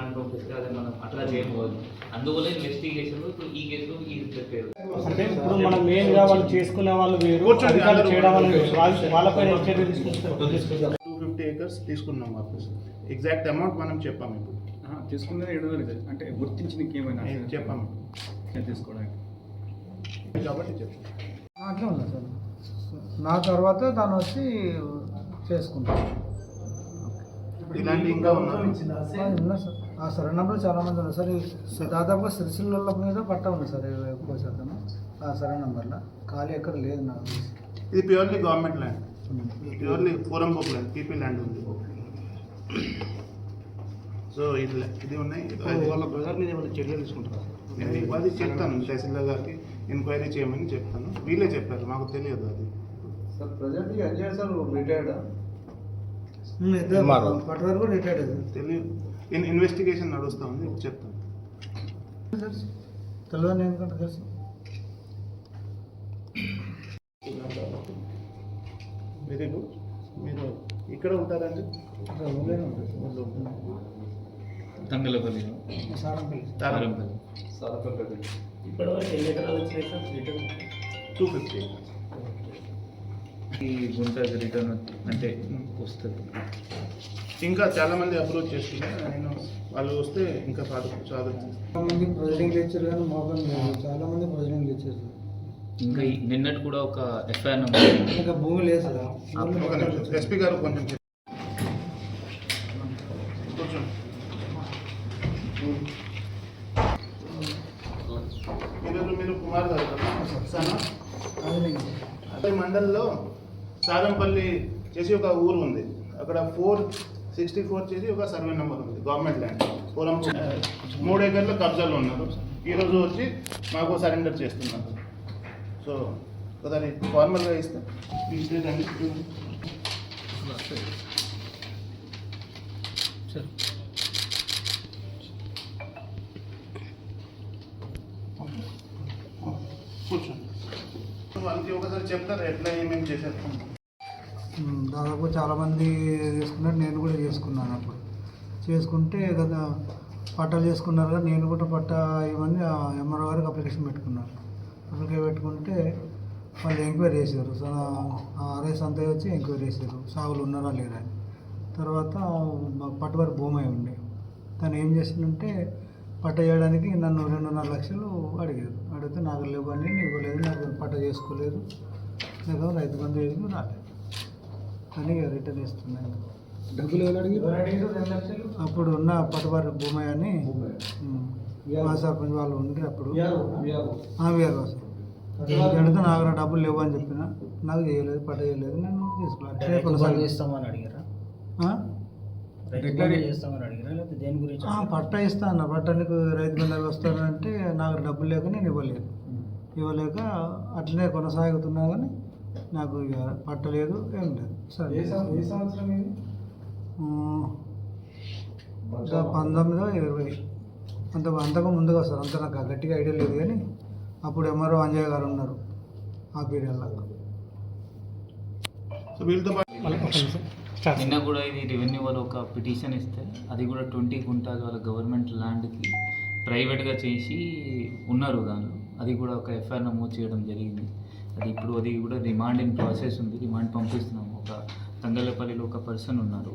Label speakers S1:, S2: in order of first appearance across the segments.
S1: Remand పంపిస్తే అది మనం అట్లా చేయకపోదు. అందువల్ల ఇన్వెస్టిగేషన్ ఈ కేసులో ఈ పెట్టారు.
S2: అంటే ఇప్పుడు మనం మెయిన్గా వాళ్ళు చేసుకునే వాళ్ళు వేరు, అధికారులు చేయడం వాళ్ళు వేరు. వాళ్ళపైన చర్య తీసుకుంటారు.
S3: 250 acres తీసుకున్నాం వాపస్. ఎగ్జాక్ట్ అమౌంట్ మనం చెప్పాము ఇప్పుడు.
S4: తీసుకున్నది 700 అంటే గుర్తించిన ఏమైనా
S3: చెప్పాము
S4: తీసుకోవడానికి
S3: కాబట్టి చెప్పాము.
S5: అట్లా ఉంది సార్. నా తర్వాత తను వచ్చి చేసుకుంటాను.
S3: ఇలాంటి ఇంకా ఉన్నారు
S5: సార్. ఆ సరే నెంబర్ చాలా మంది ఉన్నారు సార్. దాదాపుగా సిరిసిల్ల మీద పట్ట ఉంది సార్ ఎక్కువ శాతం ఆ సరే నెంబర్లో. ఖాళీ ఎక్కడ లేదు నాకు.
S3: ఇది ప్యూర్లీ గవర్నమెంట్ ల్యాండ్, ప్యూర్లీ పూరం బుక్ ల్యాండ్, పీపీ ల్యాండ్ ఉంది. సో ఇది ఉన్నాయి.
S2: వాళ్ళ బ్రదర్ మీద ఏమైనా చర్యలు తీసుకుంటారు?
S3: నేను అది చెప్తాను తహసీల్దార్ గారికి, ఎంక్వైరీ చేయమని చెప్తాను. వీళ్ళే చెప్పారు, మాకు తెలియదు అది.
S5: Sir present Ajay sir retired పట్టు కూడా రిటైర్డ్
S3: తెలియదు. ఇన్వెస్టిగేషన్ నడుస్తూ ఉంది, చెప్తాను.
S5: తెలియదు ఎందుకంటే తెలుసు.
S3: Very good. మీరు ఇక్కడ ఉంటారండి?
S1: తంగలపల్లి,
S5: సారంపల్లి.
S1: ఇప్పటివరకు ఎన్ని ఎకరాలు వచ్చినాయి సార్ రిటర్న్?
S3: 250.
S1: ఈ గుంట రిటర్న్ అంటే వస్తుంది.
S3: ఇంకా చాలా మంది అప్రోచ్ చేస్తున్నారు. నేను వాళ్ళు వస్తే ఇంకా చాలా
S5: మంది ప్రొసీడింగ్ ఇచ్చారు కానీ మోపం లేదు. చాలా మంది ప్రొసీడింగ్ ఇచ్చారు.
S1: ఇంకా నిన్నటి కూడా ఒక ఎఫ్ఐఆర్
S5: ఇంకా భూమి లేదు సార్.
S3: ఎస్పీ గారు కొంచెం ఈరోజు మీరు కుమార్ గారు సనా అదే మండల్లో సారంపల్లి చేసి ఒక ఊరు ఉంది. అక్కడ 464 చేసి ఒక సర్వే నెంబర్ ఉంది, గవర్నమెంట్ ల్యాండ్. పూరం 3 ఎకర్ల కబ్జాలు ఉన్నారు. ఈరోజు వచ్చి మాకు సరెండర్ చేస్తున్నారు. సో ఒకసారి ఫార్మల్గా ఇస్తాం. కూర్చోండి. వాళ్ళకి ఒకసారి చెప్తారు ఎట్లా ఏమేమి చేశారు.
S5: దాదాపు చాలామంది చేసుకున్నారు, నేను కూడా చేసుకున్నాను. అప్పుడు చేసుకుంటే కదా పట్టాలు చేసుకున్నారు కదా, నేను కూడా పట్టా ఇవన్నీ ఎంఆర్ఓ గారికి అప్లికేషన్ పెట్టుకున్నాను. అప్లికేషన్ పెట్టుకుంటే వాళ్ళు ఎంక్వైరీ చేశారు. ఆర్ఎస్ అంతా వచ్చి ఎంక్వైరీ చేశారు, సాగులు ఉన్నారా లేరా అని. తర్వాత పట్టువారి భూమి అయి ఉండే తను ఏం చేసిందంటే పట్ట చేయడానికి నన్ను 2.5 లక్షలు అడిగారు. అడిగితే నాకు లేవని నేను ఇవ్వలేదు, నాకు పట్ట చేసుకోలేదు, నాకు రైతు బంధు వేసి రాలేదు అని రిటర్న్ ఇస్తున్నాను.
S4: డబ్బులు ఎవరు అడిగి?
S5: అప్పుడు ఉన్న పట్టువారి భూమి అని మా సర్పంచ్ వాళ్ళు ఉండి అప్పుడు వీఆర్ఓ అడిగితే నాకు డబ్బులు లేవు అని చెప్పిన. నాకు చేయలేదు, పట్ట చేయలేదు, నేను తీసుకోవాలి
S2: ఇస్తామని అడిగారా?
S5: పట్టా ఇస్తా అన్న. పట్టా నీకు రైతు బంధు వస్తానంటే నాకు డబ్బులు లేక నేను ఇవ్వలేక అట్లనే కొనసాగుతున్నా కానీ నాకు ఇక పట్టలేదు, ఏం లేదు. సరే 1920 అంతకు ముందుగా వస్తారు. అంత నాకు గట్టిగా ఐడియా లేదు కానీ అప్పుడు ఎంఆర్ఓ అంజయ్య గారు ఉన్నారు ఆ పీరియడ్లో.
S3: సో వీళ్ళతో
S1: నిన్న కూడా ఇది రెవెన్యూ వాళ్ళు ఒక పిటిషన్ ఇస్తే అది కూడా 20 గుంటాలు వాళ్ళ గవర్నమెంట్ ల్యాండ్కి ప్రైవేట్గా చేసి ఉన్నారు. దానిలో అది కూడా ఒక ఎఫ్ఐఆర్ నమోదు చేయడం జరిగింది. అది కూడా రిమాండ్ ఇన్ ప్రాసెస్ ఉంది. రిమాండ్ పంపిస్తున్నాము. ఒక తంగలపల్లిలో ఒక పర్సన్ ఉన్నారు,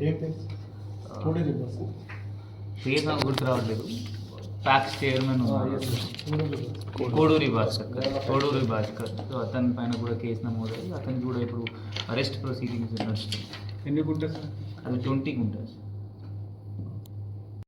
S1: పేరు నాకు గుర్తు రావట్లేదు, ప్యాక్స్ చైర్మన్ ఉన్నారు, కోడూరి భాస్కర్. సో అతని పైన కూడా కేసు నమోదయ్యి అతనికి కూడా ఇప్పుడు అరెస్ట్ ప్రొసీడింగ్స్ నడుస్తుంది.
S4: ఎన్ని గుంటారు?
S1: అది 20 గుంటారు.